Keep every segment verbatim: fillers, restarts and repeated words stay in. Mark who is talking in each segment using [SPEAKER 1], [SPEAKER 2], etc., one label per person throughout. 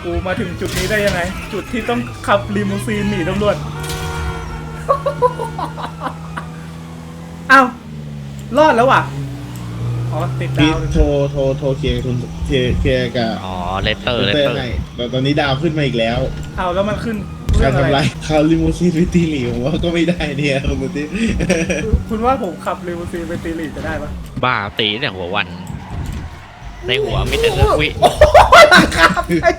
[SPEAKER 1] กูมาถึงจุดนี้ได้ยังไงจุดที่ต้องขับลิมูซีนหนีตำรวจอ้าวรอดแล้วว่ะอ๋อติดดาว
[SPEAKER 2] โทรโทรโทรเคลียร์คุณเคลียร์เคลียร์กับ
[SPEAKER 3] อ๋อเลเตอร์เล
[SPEAKER 2] เตอ
[SPEAKER 3] เต
[SPEAKER 2] ร์
[SPEAKER 3] อร์
[SPEAKER 2] ให้แต่ตอนนี้ดาวขึ้นมาอีกแล้ว
[SPEAKER 1] เอาแล้วมันขึ้น
[SPEAKER 2] การทำลายคาร์ลิมูซีนไปตีหลีผมว่าก็ไม่ได้เนี่ยคุณมุติ
[SPEAKER 1] คุณว่าผมขับลิมูซีนไปตีหลีจะได้ปะ
[SPEAKER 3] บ้าตีแต่หัววัน ในหัวไม่แต่เรื่องวิ
[SPEAKER 1] หลังคา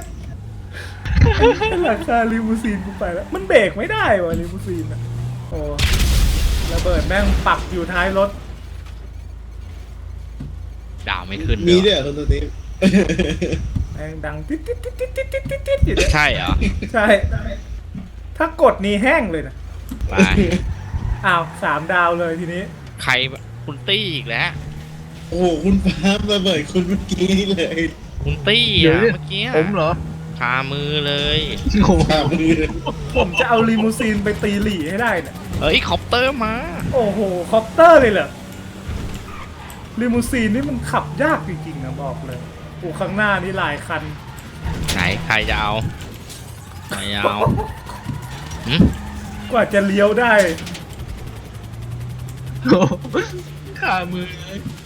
[SPEAKER 1] หลังคาลิมูซีนกูไปแล้วมันเบรกไม่ได้ว่ะลิมูซีนอ่ะโอ้ระเบิดแม่งปักอยู่ท้ายรถ
[SPEAKER 3] ดาวไม่ขึ้น
[SPEAKER 2] มี
[SPEAKER 3] ด้
[SPEAKER 2] ด้
[SPEAKER 3] ว
[SPEAKER 2] วย ยคุณมุติ
[SPEAKER 1] แม่งดังติ๊ดติ๊ดติ๊ดติ๊ดติ๊ดติ๊ดติ๊ดอยู่เนี่ย
[SPEAKER 3] ใช่เหรอ
[SPEAKER 1] ใช่ถ้ากดนี่แห้งเลยนะ
[SPEAKER 3] ไป
[SPEAKER 1] อ้าวสามดาวเลยทีนี้
[SPEAKER 3] ใครคุณตี้อีกแล้ว
[SPEAKER 2] โอ้คุณฟ้าระเบิดคุณเมื่อกี้เลย
[SPEAKER 3] คุณตี้
[SPEAKER 4] เดี๋ยว
[SPEAKER 3] อ่ะ
[SPEAKER 4] ดิ
[SPEAKER 3] เมื่อกี้
[SPEAKER 4] ผมเหรอ
[SPEAKER 3] คามือเลย
[SPEAKER 4] โอ้โห
[SPEAKER 2] ข้ามือ
[SPEAKER 1] ผมจะเอาลิมูซีนไปตีหลี่ให้ได้เนี่ย
[SPEAKER 3] เอ้ยคอปเตอร์มา
[SPEAKER 1] โอ้โหคอปเตอร์เลยเหรอลิมูซีนนี่มันขับยากจริงๆนะบอกเลยโอ้ข้างหน้านี่หลายคัน
[SPEAKER 3] ไหนใครจะเอาใครจะเอาหืม
[SPEAKER 1] กว่าจะเลี้ยวได้
[SPEAKER 4] ขามือเลย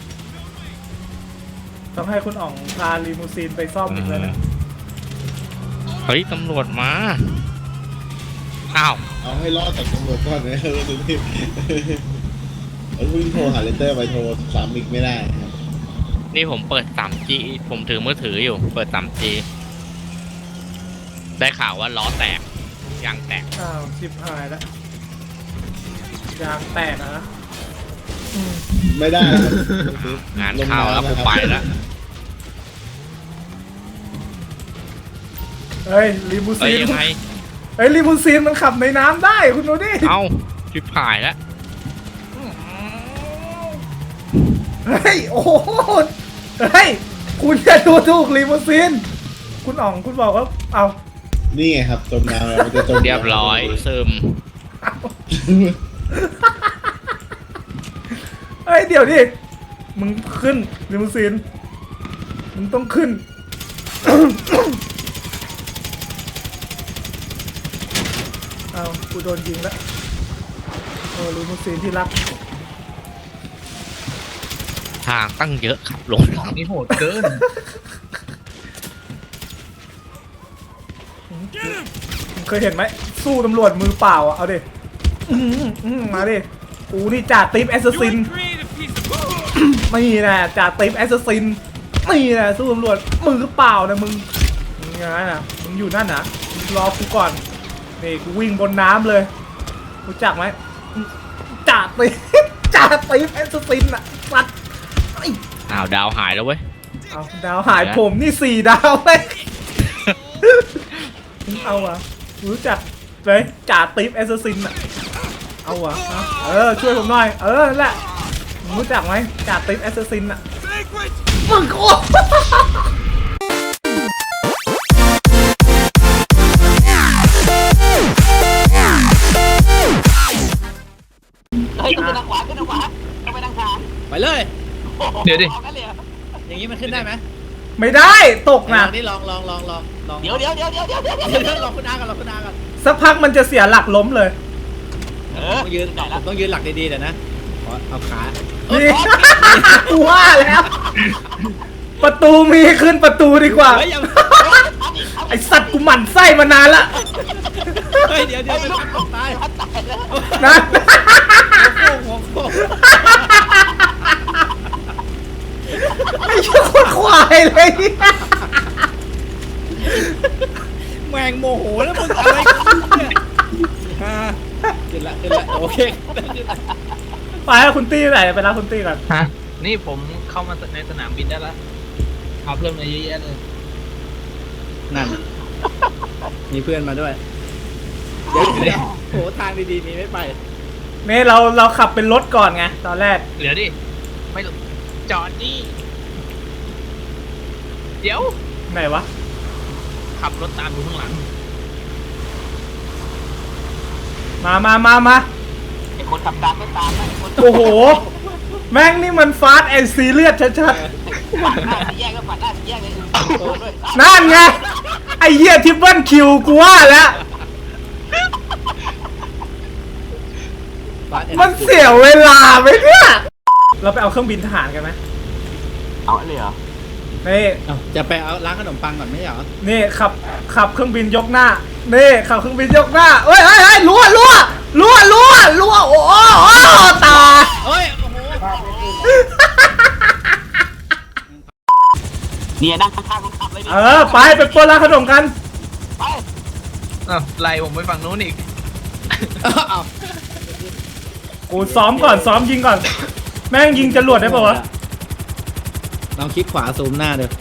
[SPEAKER 1] ต้องให้คุณอ๋องพาลิมูซีนไปซ่อมอีกแล้วนะ
[SPEAKER 3] เฮ้ยตำรวจมาอ้าว
[SPEAKER 2] เอาให้รอดจากตำรวจก่อนนะคุณมุติเออคุณโทรหาเลเตอร์ไปโทรสามอีกไม่ได้ครับ
[SPEAKER 3] นี่ผมเปิด ทรีจี ผมถือมือถืออยู่เปิด ทรีจี ได้ข่าวว่าล้อแตกยางแตก
[SPEAKER 1] อ้าวชิบหายแล้วยางแตกนะอืม
[SPEAKER 2] ไม่ได้ครับ
[SPEAKER 3] งานเข้าแล้วผมไปแล้ว
[SPEAKER 1] เฮ้ยลิมู
[SPEAKER 3] เอ้
[SPEAKER 1] ซี
[SPEAKER 3] ย
[SPEAKER 1] น
[SPEAKER 3] ยังไง
[SPEAKER 1] เฮ้ยลิมูซีนมันขับในน้ำได้คุณดูดิ
[SPEAKER 3] เอ้าชิบหายแล้ว
[SPEAKER 1] เฮ้ยโอ้โหเฮ้ยคุณจะดูถูกลิมูซีนคุณอ๋องคุณบอกว่าเอา
[SPEAKER 2] นี่ไงครับจมน้ำแล้วมันจะจม
[SPEAKER 3] เรียบร้อยซึม
[SPEAKER 1] เฮ้ยเดี๋ยวดิมึงขึ้นลิมูซีนมึงต้องขึ้น เอากูโดนยิงแล้วโอ้ลิมูซีนที่รัก
[SPEAKER 3] ทางตั้งเยอะขับลง
[SPEAKER 4] นี่โหดเกิน
[SPEAKER 1] มึงเคยเห็นไหมสู้ตำรวจมือเปล่าอ่ะเอาดิอื้อหืออื้อหือมาดิกูนี่จ่าติ๊บแอสซัสซินนี่นะจ่าติ๊บแอสซัสซินนี่นะสู้ตำรวจมือเปล่านะมึงมึงยังไงนะมึงอยู่นั่นนะมึงรอกูก่อนนี่กูวิ่งบนน้ำเลยรู้จักไหมจ่าติ๊บจ่าติ๊บแอสซัสซินอ่ะสัตว์ไอ้
[SPEAKER 3] อ้าวดาวหายแล้วเว้ย
[SPEAKER 1] เอาดาวหายผมนี่สี่ดาวเลยเอาวะรู้จักเลยจ่าติ๊บแอสซัสซินอ่ะเอาวะเอาเออช่วยผมหน่อยเออนั่นแหละรู้จักไหมจ่าติ๊บแอสซัสซินอ่ะมึงโคตร
[SPEAKER 5] เฮ้ยขึ้นทางขวาขึ้นทางขวาต้องไปทางขวา
[SPEAKER 4] ไปเลย เดี๋ยวดิ
[SPEAKER 5] ออกกันเลยเหรอ
[SPEAKER 4] อย่างนี้มันขึ้นได้ไหม
[SPEAKER 1] ไม่ได้ตก
[SPEAKER 4] ล
[SPEAKER 1] นะ
[SPEAKER 4] องนี่ลองลองลองลองลอง
[SPEAKER 5] เดี๋ยวเดี๋ยวเดี๋ยวเดี๋ยวเดี๋ยวเดี๋ยว
[SPEAKER 4] เดี๋ยวเดี๋ยวลองคุณอากันลองคุณอากัน
[SPEAKER 1] สักพักมันจะเสียหลักล้มเลย
[SPEAKER 5] เออ
[SPEAKER 4] ต้องยืนผมต้องยืนหลักดีๆเดี๋ยวนะขอเอาขา
[SPEAKER 1] นี่ กูว่าแล้ว ประตูมีขึ้นประตูดีกว่า
[SPEAKER 4] เฮ้ยอย่า
[SPEAKER 1] ไอสัตว์กูหมั่นไส้มานานละ
[SPEAKER 4] เฮ้ยเดี๋ยวเดี๋ยวไปพักตกตาย
[SPEAKER 5] พัดตายแล้ว
[SPEAKER 1] นะ
[SPEAKER 4] หัวโค้ง
[SPEAKER 1] ไอ้ชั่วโคตรควายเลย
[SPEAKER 4] แมงโมโหแล้วมึงอะไรกันเนี่ยฮ่าขึ้นละขึ้นละโอเค
[SPEAKER 1] ไปแล้วคุณตี้ไหนไปรับคุณตี้ก่อน
[SPEAKER 6] ฮะนี่ผมเข้ามาในสนามบินได้แล้วเอาเพื่อนมาเยอะแยะเลย
[SPEAKER 4] นั่นมีเพื่อนมาด้วยเดี๋ยวเดี๋ยวโหทางดีๆมีไม่ไป
[SPEAKER 1] นี่เราเราขับเป็นรถก่อนไงตอนแรก
[SPEAKER 6] เหลือดิไม่จอดดิเดี๋ยว
[SPEAKER 1] ไหนวะ
[SPEAKER 6] ขับรถตามอยู่ข้างหลัง
[SPEAKER 1] มามามามา
[SPEAKER 5] ไอ้คนขับตามไม่ตามนะไอ้คน
[SPEAKER 1] โอ้โหแม่งนี่มันฟาสต์แอนด์ซีเรียสชัด
[SPEAKER 5] ปัดหน้าสี่แยกก็ปัดหน้าสี่แยกเลยโอ้ด้วย
[SPEAKER 1] ๆนั่นไงไอ้เหี้ยทิปเปิลคิวกูว่าแล้วมันเสียเวลาไปเนี่ยเราไปเอาเครื่องบินทหารกันไหม
[SPEAKER 5] เอาเลยเหรอ
[SPEAKER 1] นี่
[SPEAKER 4] เอ้าจะไปเอาร้านขนมปังก่อนไม่ใช่เหรอ
[SPEAKER 1] นี่ขับขับเครื่องบินยกหน้านี่ขับเครื่องบินยกหน้าเฮ้ยเฮ้ยเฮ้ยรั่วรั่วรั่วรั่วรั่วโอ้โหโอ้โหตาย
[SPEAKER 4] เฮ้ยโอ้โห
[SPEAKER 5] เนี่ยนั่งข้างๆคนขับเลยนี่
[SPEAKER 1] เออไปไปปล้นร้านขนมกัน
[SPEAKER 5] ไป
[SPEAKER 6] อ้าวไล่ผมไปฝั่งนู้นอีก
[SPEAKER 4] เอา
[SPEAKER 1] กูซ้อมก่อนซ้อมยิงก่อน แม่งยิงจรวดได้ป่าวะ
[SPEAKER 4] ลองคลิกขวาซูมหน้าเดี๋ยว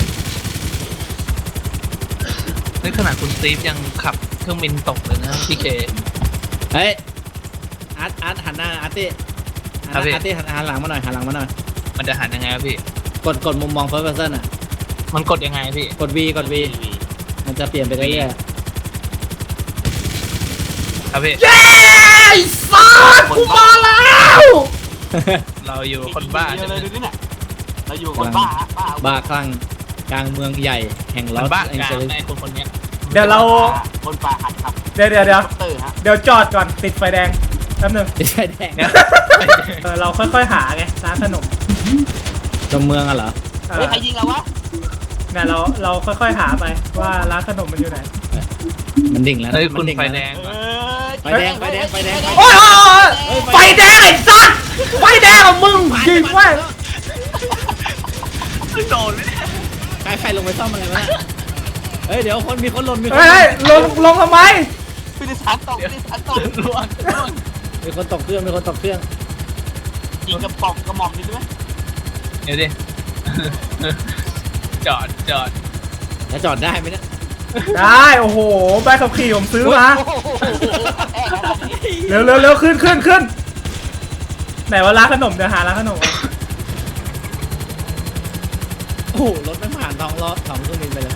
[SPEAKER 6] นี่ขนาดคุณสตีฟยังขับเครื่องบินตกเลยนะพี่เค
[SPEAKER 4] เฮ้ยอาร์ตอาร์ตหันหน้าอาร์ตี้
[SPEAKER 6] ครับพี่
[SPEAKER 4] อาร์ตี้หันหันหลังมาหน่อยหันหลังมาหน่อย
[SPEAKER 6] มันจะหันยังไงครับพี่
[SPEAKER 4] กดกดมุมมอง first person อ่ะ
[SPEAKER 6] มันกดยังไงพี่
[SPEAKER 4] กด V กด V มันจะเปลี่ยนไปเรื่อย
[SPEAKER 6] ครับพี่
[SPEAKER 1] เย้สัสกูมาแล้ว
[SPEAKER 4] ๆ
[SPEAKER 6] เราอยู่คนบ้า
[SPEAKER 5] เย
[SPEAKER 6] ใช่
[SPEAKER 5] อะ
[SPEAKER 6] ไห
[SPEAKER 5] เล
[SPEAKER 6] ม
[SPEAKER 5] ยดูนี่น่ะเราอยู่คนบ้าบ้า
[SPEAKER 4] บ้าคลั่งกลางเมืองใหญ่แห่งล
[SPEAKER 6] มั
[SPEAKER 4] อน ส
[SPEAKER 6] บ้า
[SPEAKER 4] แอง
[SPEAKER 6] กลา
[SPEAKER 4] เจ
[SPEAKER 6] ง
[SPEAKER 4] ลิส
[SPEAKER 6] ในคนคนเนี้ย
[SPEAKER 1] เดี๋ยวเรา
[SPEAKER 5] คนป่าหัดขับ
[SPEAKER 1] เดี๋ยวเดี๋ยวเดี๋ยว
[SPEAKER 5] เตอร์ฮะ
[SPEAKER 1] เดี๋ยวจอดก่อนติดไฟแดงแป๊บนึง
[SPEAKER 4] ไม่ใช่แดง
[SPEAKER 6] เนี่ย
[SPEAKER 1] เออเราค่อยๆหาไงร้านขนม
[SPEAKER 4] ตรงเมืองอะเหรอ
[SPEAKER 1] เอ
[SPEAKER 5] เฮ้
[SPEAKER 1] อย
[SPEAKER 5] ใครยิงเราวะ
[SPEAKER 1] เนี่ยเราเราค่อยๆหาไปว่าร้านขนมมันอยู่ไหน
[SPEAKER 4] มันดิ่งแล้วนะ
[SPEAKER 6] เฮ้ย
[SPEAKER 4] มั
[SPEAKER 6] คุณ
[SPEAKER 4] นดิ่ง
[SPEAKER 6] ไฟ
[SPEAKER 4] แล้ว
[SPEAKER 6] แด
[SPEAKER 4] นะ
[SPEAKER 6] ง
[SPEAKER 5] เอ
[SPEAKER 6] ก่อน
[SPEAKER 5] อ
[SPEAKER 4] ไฟแดงไฟแดงไฟแดง
[SPEAKER 1] โอ้ยโอ้ยโอ้ยไฟแดงไอ้สัสไฟแดงของมึงยิงแม่ง
[SPEAKER 6] โดนเลย
[SPEAKER 4] ใครใครลงไปซ่อมอะไรวะเนี่ยเฮ้ยเดี๋ยวคนมีคนหล่นมีคน
[SPEAKER 1] เฮ้ยเฮ้ยลงลงทำไม
[SPEAKER 5] พิธีสารตกพิธีสารตก
[SPEAKER 6] ล่วงล่วง
[SPEAKER 4] มีคนตกเครื่องมีคนตกเครื่อง
[SPEAKER 5] ยิงกระป๋องกระหม่อมนี่ใช่ไหม
[SPEAKER 6] เดี๋ยวดิ จอดจอด
[SPEAKER 4] แล้วจอดได้ไหมเนี่ย
[SPEAKER 1] ได้โอ้โหใบขับขี่ผมซื้อมา
[SPEAKER 5] โอ้โหแอบขนาดนี้
[SPEAKER 1] เร็วเร็วเร็วขึ้นขึ้นขึ้นไหนว่าร้านขนมเดี๋ยวหาร้านขนม
[SPEAKER 4] โอ้โหรถไม่ผ่านท้องล้อท้องเครื่องบินไปเลย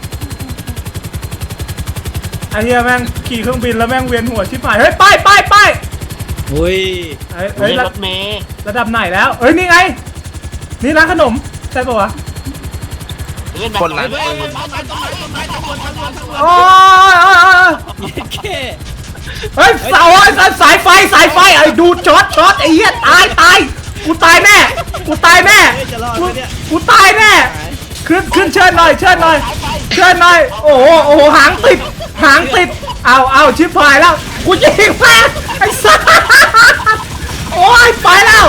[SPEAKER 1] ไอ้เหี้ยแม่งขี่เครื่องบินแล้วแม่งเวียนหัวชิบหายเฮ้ยไปไปไป
[SPEAKER 4] อุ้ย
[SPEAKER 1] เฮ้ยเฮ้ย
[SPEAKER 5] นี่
[SPEAKER 1] ระ
[SPEAKER 5] รถเมย์
[SPEAKER 1] ระดับไหนแล้วเฮ้ยนี่ไงนี่ร้านขนมใช่ปะวะ
[SPEAKER 5] เล่นแบบ
[SPEAKER 6] คนละ
[SPEAKER 5] เฮ้ยต้นไม้ต้นไม้ต้นไม้ต้นไม้ต้นไม้ต้นไม้
[SPEAKER 1] โอ้ยโอ้ยโอ้ย
[SPEAKER 4] เค
[SPEAKER 1] เฮ้ยเสาไอ้สัสสายไฟสายไฟไอ้ดูช็อตช็อตไอ้เหี้ยตายตายกูตายแน่กูตายแน่
[SPEAKER 4] เฮ้ยจะรอด
[SPEAKER 1] กู
[SPEAKER 4] ไหมเนี่ย
[SPEAKER 1] กูตายแน่ขึ้นขึ้นเชิญหน่อยเชิญหน่อยเชิญหน่อยโอ้โหโอ้โหหางติดหางติดเอาเอาชิบหายแล้วกูยิงแม่งไอ้สัสโอ้ยไปแล้ว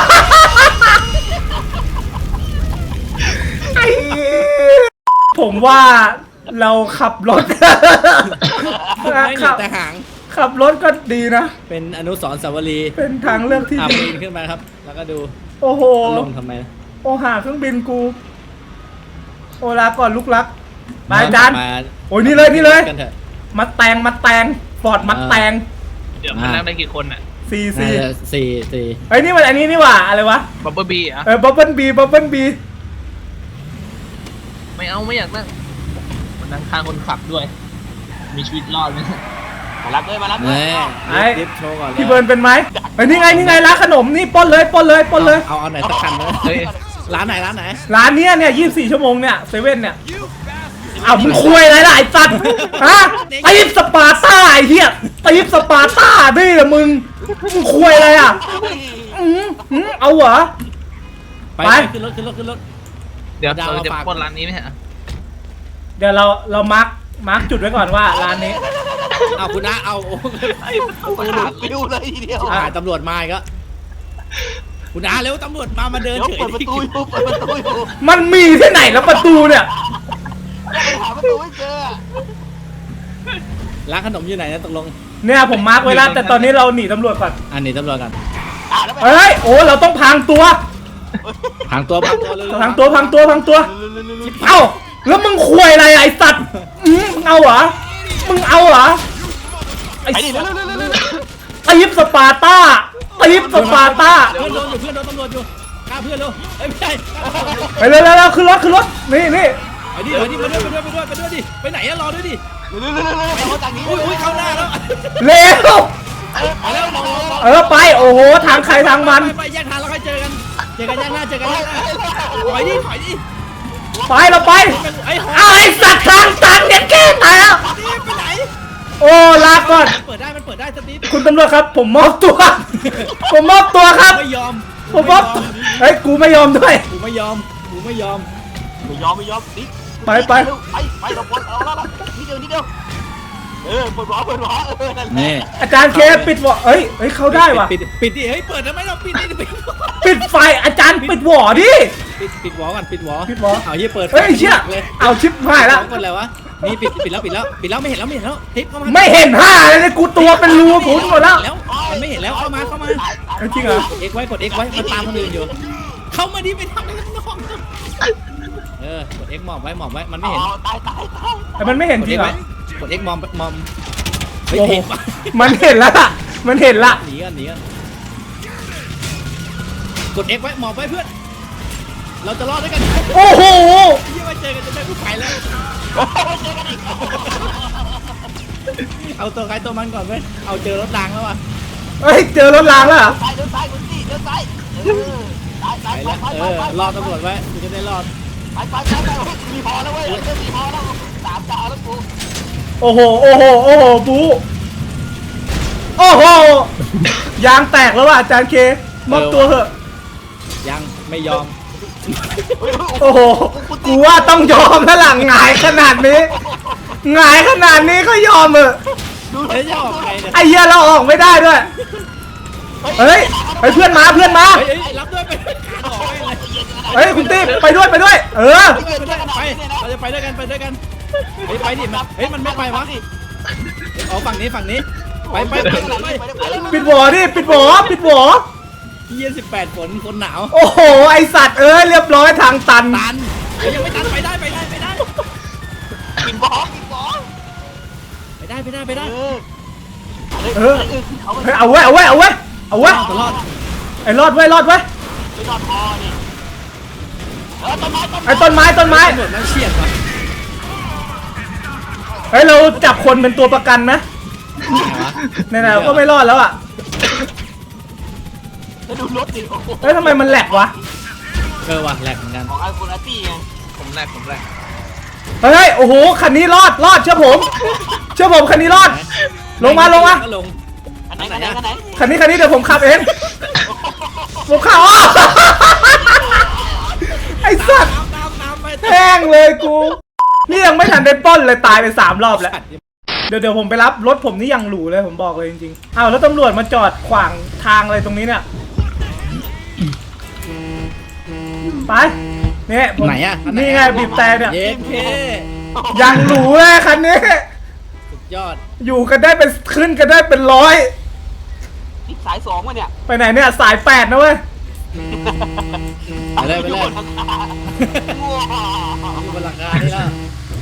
[SPEAKER 1] ไอ้เหี้ยผมว่าเราขับรถ
[SPEAKER 4] ไม่เหลื
[SPEAKER 1] ขั
[SPEAKER 4] อบ แต่หาง
[SPEAKER 1] ขับรถก็ดีนะ
[SPEAKER 4] เป็นอนุสรณ์สาวรีย์
[SPEAKER 1] เป็นทางเลือกที่
[SPEAKER 4] อ่ะ
[SPEAKER 1] ดี
[SPEAKER 4] ปีนขึ้นมาครับ แล้วก็ดู
[SPEAKER 1] โอ้โห
[SPEAKER 4] ลงทำไม
[SPEAKER 1] โอหาเครื่องบินกู โอลาก่อนลูกรักมาจาน
[SPEAKER 4] มา
[SPEAKER 1] โอ้ยนี่เลยนี่เลย
[SPEAKER 4] กันเถอะ
[SPEAKER 1] มาแตงมาแตงฟอร์ดมาแตง
[SPEAKER 6] เดี๋ยวมันนั่งได้กี่คนอ่ะ
[SPEAKER 1] ซี
[SPEAKER 4] น่า
[SPEAKER 1] ซี
[SPEAKER 4] จะสี่สี่
[SPEAKER 1] เฮ้ยนี่มันอันนี้นี่หว่าอะไรวะ
[SPEAKER 6] บับเบิ้ลบีอ่ะ
[SPEAKER 1] เออบับเบิ้ลบีบับเบิ้ลบี
[SPEAKER 6] ไม่เอาไม่อยากนั่งมันนั่งข้างคนขับด้วย มีชีวิตรอดไหม
[SPEAKER 5] มารับเลยมารับเล
[SPEAKER 4] แม่
[SPEAKER 5] ย
[SPEAKER 1] ไอ้
[SPEAKER 4] ดิฟโชว์ก่อนเลย
[SPEAKER 1] พี่เบิร์นเป็นไหมเฮ้ยนี่ไงนี่ไงร้านขนมนี่ปล้นเลยปล้นเลยปล้นเลย
[SPEAKER 4] เอาเอาไหนสักคันเลย
[SPEAKER 6] เฮ้ย
[SPEAKER 4] ร้านไหนร้านไหน
[SPEAKER 1] ร้านเนี้ยเนี่ยยี่สิบสี่ชั่วโมงเนี่ยเซเว่นเนี่ยอ้าวมึงคุยอะไรล่ะไอ้สัตว์ฮะตีฟสปาร์ต้าไอ้เหี้ยตีฟสปาร์ต้านี่แหละมึงมึงคุยอะไรอ่ะอืมอืมเอาเหรอ
[SPEAKER 4] ไป
[SPEAKER 1] ไป
[SPEAKER 4] ขึ้นรถขึ้นรถขึ้นรถ
[SPEAKER 6] เดี๋ยว
[SPEAKER 4] ดาว
[SPEAKER 6] เราจะ
[SPEAKER 4] ฝาก
[SPEAKER 6] ปล้นร้านนี้ไหมฮะ
[SPEAKER 1] เดี๋ยวเราเรามาร์กมาร์กจุดไว้ก่อนว่าร้านนี้
[SPEAKER 4] เอาคุณนะเอาโอ้
[SPEAKER 5] โอ้โหหลุดฟิวเลยทีเดียว
[SPEAKER 4] อ่าตำรวจมาอีกแล้วคุณอาเร็วตำรวจมามาเดิน
[SPEAKER 5] เดี๋ยว
[SPEAKER 4] เฉย
[SPEAKER 5] เปิดประตูอยู่เปิดประตูอยู่
[SPEAKER 1] มันมีที่ไหนแล้วประตูเนี่ย
[SPEAKER 5] หาประตูไม่เจอ
[SPEAKER 4] ร้านขนมอยู่ไหนนะตกลง
[SPEAKER 1] เนี่ยผมมาร์กไว้แล้วแต่ตอนนี้เราหนีตำรวจก่อน
[SPEAKER 4] อันนี้ตำรวจกัน
[SPEAKER 5] อ่ะแล้วไป
[SPEAKER 1] เฮ้ยโอ้เราต้องพังตัว
[SPEAKER 4] พังตัวพังตัวเลย
[SPEAKER 1] พังตัวพังตัวพังตัวเอ้าแล้วมึงคุยอะไรไอ้สัตว์อืมมึงเอาเหรอมึงเอาเหรอไอ้
[SPEAKER 5] ไปดิเร็วเร็วเร็วเร็ว
[SPEAKER 1] ตีฟสปาร์ต้าตีฟสปาร์ต้า
[SPEAKER 4] เพื่อนโดนอยู่เพื่อนโดนตำรวจอยู่ฆ่าเพื่อนเร็วเอ้ยไม่ใช่
[SPEAKER 1] ไปเร็วเร็วเร็วขึ้นรถขึ้นรถนี่นี่
[SPEAKER 4] ไปดิไปดิไปด้วยไปด้วยไปด้วยไปด้วยดิไปไหนอะรอด้วยดิ
[SPEAKER 5] เร็วเร็วเร็วเร็วเอาจากนี้
[SPEAKER 4] อุ้ยอุ้ยเข้าหน้าแล้ว
[SPEAKER 1] เร็ว
[SPEAKER 5] ไปแล้วมองมอง
[SPEAKER 1] เออไปโอ้โหทางใครทางมัน
[SPEAKER 4] ไปไปแยกทางแล้วค่อยเจอกันอกันย่างหน้าเจอกันย่างหน้าถอยดิถอยดิ
[SPEAKER 1] ไปเราไป
[SPEAKER 4] ไอ้หอ
[SPEAKER 1] เอาไอ้สัตว์ทางตันเนี่ยแก้ตายแล้ว
[SPEAKER 4] นี่ไปไหน
[SPEAKER 1] โอ้ลาก่อน
[SPEAKER 4] เปิดได้มันเปิดได้สตีฟ
[SPEAKER 1] คุณตำรวจครับ ผมมอบตัว ผมมอบตัวครับ
[SPEAKER 4] ไม่ยอม
[SPEAKER 1] ผมมอบตัวเฮ้ยกูไม่ยอมด้วย
[SPEAKER 4] กูไม่ยอมกูไม่ยอม
[SPEAKER 5] ไม่ยอมไม่ยอมนิด
[SPEAKER 1] ไปไป
[SPEAKER 5] ไปไปเราปลดเอาแล้วนิดเดียวนิดเดียวเออปลดหัวปลดหัวเออนั่นแหละ
[SPEAKER 4] นี่
[SPEAKER 1] อาจารย์เคปิดวอเอ้ยเอ้ยเขาได้ว่ะ
[SPEAKER 4] ปิดปิดดิเฮ้ยเปิดทำไมเราปิดดิปิด
[SPEAKER 1] ปิดไฟอาจารย์ปิดวอดิ
[SPEAKER 4] ปิดปิดวอก่อนปิดวอ
[SPEAKER 1] ปิดวอ
[SPEAKER 4] เอาเฮียเปิด
[SPEAKER 1] เฮ้ยเชี่ย
[SPEAKER 4] เลย
[SPEAKER 1] เอาชิปหายแล้ว
[SPEAKER 4] กดอะไรวะนี่ปิดปิดแล้วปิดแล้วปิดแล้วไม่เห็นแล้วไม่เห็นแล้วทิปเข้ามา
[SPEAKER 1] ไม่เห็นห้าเลยเนี่ยกูตัวเป็นรูผุนหมดแล้ว
[SPEAKER 4] แล้วมันไม่เห็นแล้วเข้ามาเข้ามา
[SPEAKER 1] เอ้ยจริงเหรอ
[SPEAKER 4] เอ็กไว้กดเอ็กไว้มันตามคนอื่นอยู่ เข้ามาดิไปทำอะไรข้างนอกเออกดเอ็กหมอบไว้หมอบไว้มันไม่เห็น
[SPEAKER 5] ตายตายตาย
[SPEAKER 1] แต่มันไม่เห็น
[SPEAKER 4] กด
[SPEAKER 1] จริ
[SPEAKER 4] เอ็
[SPEAKER 1] ง
[SPEAKER 4] ก
[SPEAKER 1] เหร
[SPEAKER 4] ไว้
[SPEAKER 1] อก
[SPEAKER 4] ดเอ็กมอมมอมเฮ้ย
[SPEAKER 1] โอ้โห
[SPEAKER 4] เห็นปะ
[SPEAKER 1] มันเห็นแล้วล่ะมันเห็นละ
[SPEAKER 4] หนีกันหนีกันกดเอ็กไว้หมอบไว้เพื่อนเราจะรอดด้วยกัน
[SPEAKER 1] โอ้โห
[SPEAKER 4] ยี่มาเจอกันจะได้ผู้ไปแล้วเอาตัวใครตัวมันก่อนเว้ยเอาเจอรถรางแล้วอ่ะ
[SPEAKER 1] เฮ้ยเจอรถรางแล้วเหรอ
[SPEAKER 5] ซ้ายเดินซ้ายคุณสี่เดินซ้ายเออซ้าย
[SPEAKER 4] ไป
[SPEAKER 5] ซ้าย
[SPEAKER 4] แล้ว
[SPEAKER 5] ซ้าย
[SPEAKER 4] เอ
[SPEAKER 5] ซ้าย
[SPEAKER 4] อ
[SPEAKER 5] ซ้าย
[SPEAKER 4] รอตำรวจไว้กูจะได้รอด
[SPEAKER 5] ไปไปไปไปมีพอแล้วเว้ยเริ่มมีพอแล้วสามดาวแล้วกู
[SPEAKER 1] โอ้โหโอ้โหโอ้โหบูโอ้โหยางแตกแล้วว่ะอาจารย์เคมอบตัวเถอะ
[SPEAKER 4] ยังไม่ยอม
[SPEAKER 1] โอ้โหกูว่าต้องยอมแล้วหลังหงายขนาดนี้หงายขนาดนี้ก็ยอมเถอะ
[SPEAKER 4] เฮ้ยจะออกไงเนี่ย
[SPEAKER 1] ไอ้เหี้ยเราออกไม่ได้ด้วยเฮ้ยเฮ้ยเพื่อนมาเพื่อนมา
[SPEAKER 4] เฮ้ยเฮ้ยรับด้วยไปออกไปเลย
[SPEAKER 1] เฮ้ยคุณติ๊บไปด้วยไปด้วย เออ
[SPEAKER 4] ไปด้วยกันไปเราจะไปด้วยกันไปด้วยกันเฮ้ยไปดิมันเฮ้ยมันไม่ไปวะเอาฝั่งนี้ฝั่งนี้ไปไปไปไป
[SPEAKER 1] ปิดหวอดิปิดหวอปิดหวอ
[SPEAKER 4] ยี่สิบแปดฝนคนหนาว
[SPEAKER 1] โอ้โหไอสัตว์เอ้ยเรียบร้อยทางตัน
[SPEAKER 4] ตันเฮ้ยยังไม่ตันไปได้ไปได้ไปได้
[SPEAKER 5] กินบอลกินบอล
[SPEAKER 4] ไปได้ไปได้ไปได้
[SPEAKER 5] เออ
[SPEAKER 1] เออเฮ้ยเอาไว้เอาไว้เอาไว้เอาไว้
[SPEAKER 4] ตลอด
[SPEAKER 1] ไอ้รอดไว้รอดไว้
[SPEAKER 5] ไปนอนพอนี่เออต้นไม้ต้น
[SPEAKER 1] ไอ้ต้นไม้ต้นไม้
[SPEAKER 4] ตำรวจนั่งเฉียดวะ
[SPEAKER 1] เฮ้ยเราจับคนเป็นตัวประกันไหม
[SPEAKER 4] ไหนวะ
[SPEAKER 1] ไหนๆเราก็ไม่รอดแล้วอ่ะ
[SPEAKER 5] จะดูรถดิโอ้โห
[SPEAKER 1] เฮ้ยทำไมมันแหลกวะ
[SPEAKER 4] เออว่ะแหลกเหมือนกัน
[SPEAKER 5] ของไอโฟนอาร์ตี้ไง
[SPEAKER 6] ผมแรกผมแรก
[SPEAKER 1] เฮ้ยโอ้โหคันนี้รอดรอดเชื่อผมเชื่อผมคันนี้รอด ลงมาลงมา
[SPEAKER 4] ก็ลง
[SPEAKER 5] อันไหนอันไหนอันไหน
[SPEAKER 1] คันนี้คันนี้เดี๋ยวผมขับเองผมขับอ้อไอ้สัตว์
[SPEAKER 4] น้ำน้ำน้ำไป
[SPEAKER 1] แห้งเลยกูนี่ยังไม่ทันได้ปล้นเลยตายไปสามรอบแล้ว เดี๋ยวเดี๋ยวผมไปรับรถผมนี่ยังหรูเลยผมบอกเลยจริงๆอ้าวแล้วตำรวจมาจอดขวางทางอะไรตรงนี้เนี่ยไปเนี่ยผม
[SPEAKER 4] ไหนอ่ะ
[SPEAKER 1] นี่ไงบีบแต่เนี่ย
[SPEAKER 4] เย็นเค
[SPEAKER 1] ยังหรูเลยคันนี้
[SPEAKER 4] สุดยอด
[SPEAKER 1] อยู่กันได้เป็นขึ้นกันได้เป็นร้อย
[SPEAKER 5] นี่สายสองวะเนี่ย
[SPEAKER 1] ไปไหนเนี่ยสายแปดนะเว้ย
[SPEAKER 4] ไปเลยไปเลย
[SPEAKER 5] ว้าว
[SPEAKER 4] อยู่บนหลังคานี่แล้ว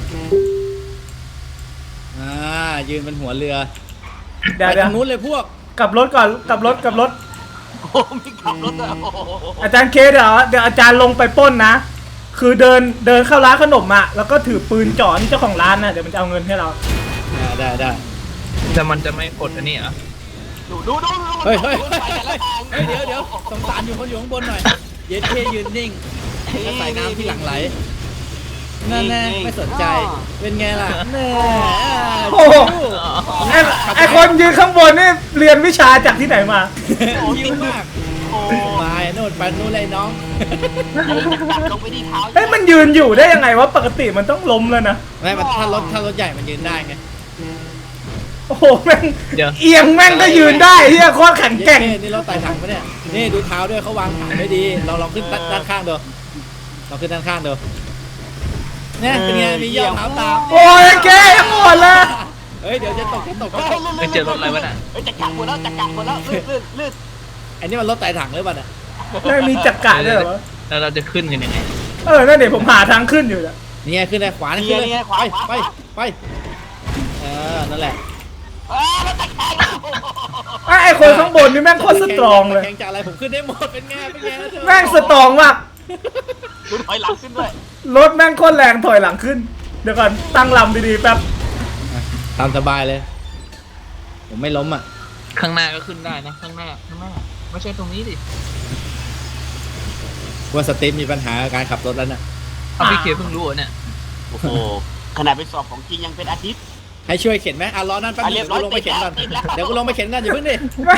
[SPEAKER 4] อ่ายืนบนหัวเรือ
[SPEAKER 1] เดี๋ยว
[SPEAKER 4] ไป
[SPEAKER 1] เดี๋ยว
[SPEAKER 4] ทางนู้นเลยพวก
[SPEAKER 1] กลับรถก่อนกลับรถกลับรถ
[SPEAKER 5] โอ้โหมีขับรถด้วยโอ้โห
[SPEAKER 1] อาจารย์เคเดี๋ยวเดี๋ยวอาจารย์ลงไปปล้นนะ คือเดินเดินเข้าร้านขนมอะแล้วก็ถือปืนจ่อนี่เจ้าของร้านนะเดี๋ยวมันจะเอาเงินให้เรา
[SPEAKER 4] อ่าได้ได้
[SPEAKER 6] แต่มันจะไม่กดอันนี้เหรอ
[SPEAKER 5] ดูดูดูดู
[SPEAKER 4] เฮ้ยเฮ้ย
[SPEAKER 5] ดู
[SPEAKER 4] เฮ้ย
[SPEAKER 5] ไปแต่ละทาง
[SPEAKER 4] เฮ้ยเดี๋ยวเดี๋ยวสงสารอยู่คนอยู่ข้างบนหน่อยเย็นเคยืนนิ่งแล้วใส่น้ำที่หลังไหลนั่นแน่ไม่สนใจเป็นไงล่ะแน่
[SPEAKER 1] โอ้โหไอ้ไอคนยืนข้างบนนี่เรียนวิชาจากที่ไหนมา
[SPEAKER 4] ยิ้มมาก
[SPEAKER 5] โอ้
[SPEAKER 4] มาโน่นไปนู่นเลยน้อง
[SPEAKER 5] จับลงไปที่เท้า
[SPEAKER 1] เฮ้ยมันยืนอยู่ได้ยังไงวะปกติมันต้องล้มแล้วนะ
[SPEAKER 4] ไม่มันถ้ารถถ้ารถใหญ่มันยืนได้ไง
[SPEAKER 1] โอ้โหแม่ง
[SPEAKER 6] เดี๋ยว
[SPEAKER 1] เอียงแม่งก็ยืนได้เฮียโคตรแข็งแกร่ง
[SPEAKER 4] เย้นี่รถไต่ถังปะเนี่ยนี่ดูเท้าด้วยเขาวางฐานไม่ดีเราลองขึ้นด้านข้างดูเราขึ้นด้านข้างดูเนี่ยเป็นไงมีย่อเท้าตาม
[SPEAKER 1] โอ้ยแกยังหมดเลย
[SPEAKER 4] เฮ้ยเดี๋ยวจะตกจะตกจะตก
[SPEAKER 6] ไปเจอรถอะไรวะน่ะ
[SPEAKER 5] เฮ้ยจะกัดหมดแล้วจะกัดหมดแล้วลื่นลื่นลื่น
[SPEAKER 4] อันนี้มันรถไต่ถังหรือเปล่าเนี่ย
[SPEAKER 1] ไม่มีจักระด้วยเหรอวะ
[SPEAKER 6] แล้วเราจะขึ้นกันยังไง
[SPEAKER 1] เออนั่นเดี๋ยวผมหาทางขึ้นอยู่เนี่ย
[SPEAKER 4] นี่ไงขึ้นได้ขวานี่ขึ้นเลยไปไปไปเออนั่นแหละ
[SPEAKER 5] เออแล้วจะกัด
[SPEAKER 1] ไอ้ไอคนข้างบนนี่แม่งโคตรสตรองเลย
[SPEAKER 4] แข่งจากอะไรผมขึ้นได้หมดเป็นไงเป็นไง
[SPEAKER 1] แม่งสตรองมาก
[SPEAKER 5] ดูถอยหลังขึ้นด้วย
[SPEAKER 1] รถแม่งโคตรแรงถอยหลังขึ้น เดี๋ยวก่อนตั้งลำดีๆแป๊บ
[SPEAKER 4] ตามสบายเลย ผมไม่ล้มอ่ะ
[SPEAKER 6] ข้างหน้าก็ขึ้นได้นะข้างหน้าข้างหน้าไม่ใช่ตรงนี้ดิ
[SPEAKER 4] ว่าสตีฟมีปัญหากับการขับรถแล้วน่ะ
[SPEAKER 6] เอาพี่เคเพิ่งรู้เหรอเนี่ย
[SPEAKER 5] โอ้โหขนาดไปสอบของจริงยังเป็นอาทิตย์
[SPEAKER 4] ให้ช่วยเข็นไหมอ่ะรอนั่นแป๊บ
[SPEAKER 5] อ่ะ
[SPEAKER 4] นึ
[SPEAKER 5] เรี
[SPEAKER 4] ง
[SPEAKER 5] ยบร้อย
[SPEAKER 4] กูลงไปเข็นก่อน
[SPEAKER 5] ติดแล้ว
[SPEAKER 4] เดี๋ยวกูลงไปเข็นก่อนอย่าเพิ่งดิ